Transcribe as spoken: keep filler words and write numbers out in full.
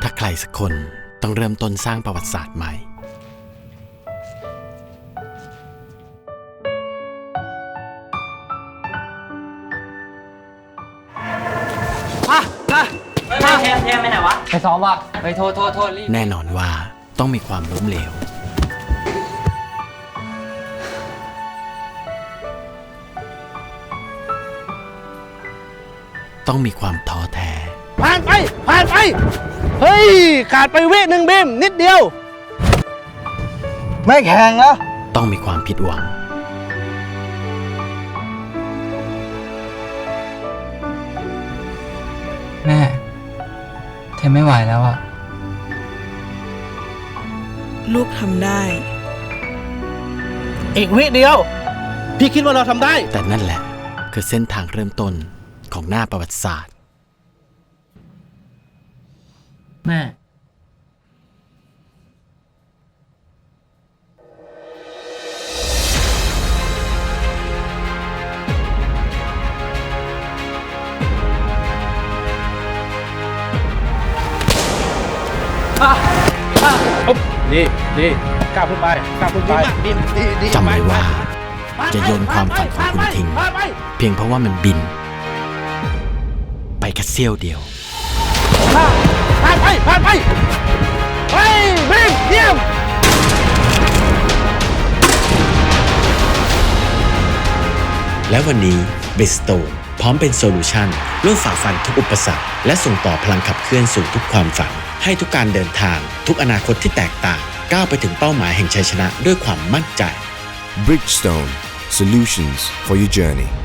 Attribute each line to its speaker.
Speaker 1: ถ้าใครสักคนต้องเริ่มต้นสร้างประวัติศาสตร์ใหม่
Speaker 2: อ่ะอ่ะ
Speaker 3: ไม่เทมเทมไปไหนวะ
Speaker 2: ไปซ้อมว่ะไปโทษโทษโทษรีบ
Speaker 1: แน่นอนว่าต้องมีความล้มเหลวต้องมีความท้อแท้
Speaker 4: ผ่านไปผ่านไปเฮ้ยขาดไปวิหนึ่งบีมนิดเดียวไม่แข่งแล้ว
Speaker 1: ต้องมีความผิดหวัง
Speaker 2: แม่เทมไม่ไหวแล้วอ่ะ
Speaker 5: ลูกทำได้
Speaker 4: อีกวิเดียว พี่คิดว่าเราทำได้
Speaker 1: แต่นั่นแหละคือเส้นทางเริ่มต้นของหน้าประวัติศาสตร์
Speaker 2: แม่
Speaker 4: ดีดีก้าวขึ้นไปก้าวขึ้นไปดีดีดี
Speaker 1: จำไว้ว่าจะโยนความฝันของคุณทิ้ง เพียงเพราะว่ามันบิน ไปแค่เสี้ยวเดียว
Speaker 4: ผ่านไปผ่านไปไปบีมเยี่ยม
Speaker 1: และวันนี้เบสโตนพร้อมเป็นโซลูชันร่วมฝ่าฟันทุกอุปสรรคและส่งต่อพลังขับเคลื่อนสู่ทุกความฝัน ให้ทุกการเดินทางทุกอนาคตที่แตกต่างก้าวไปถึงเป้าหมายแห่งชัยชนะด้วยความมั่นใจ
Speaker 6: Bridgestone, solutions for your journey.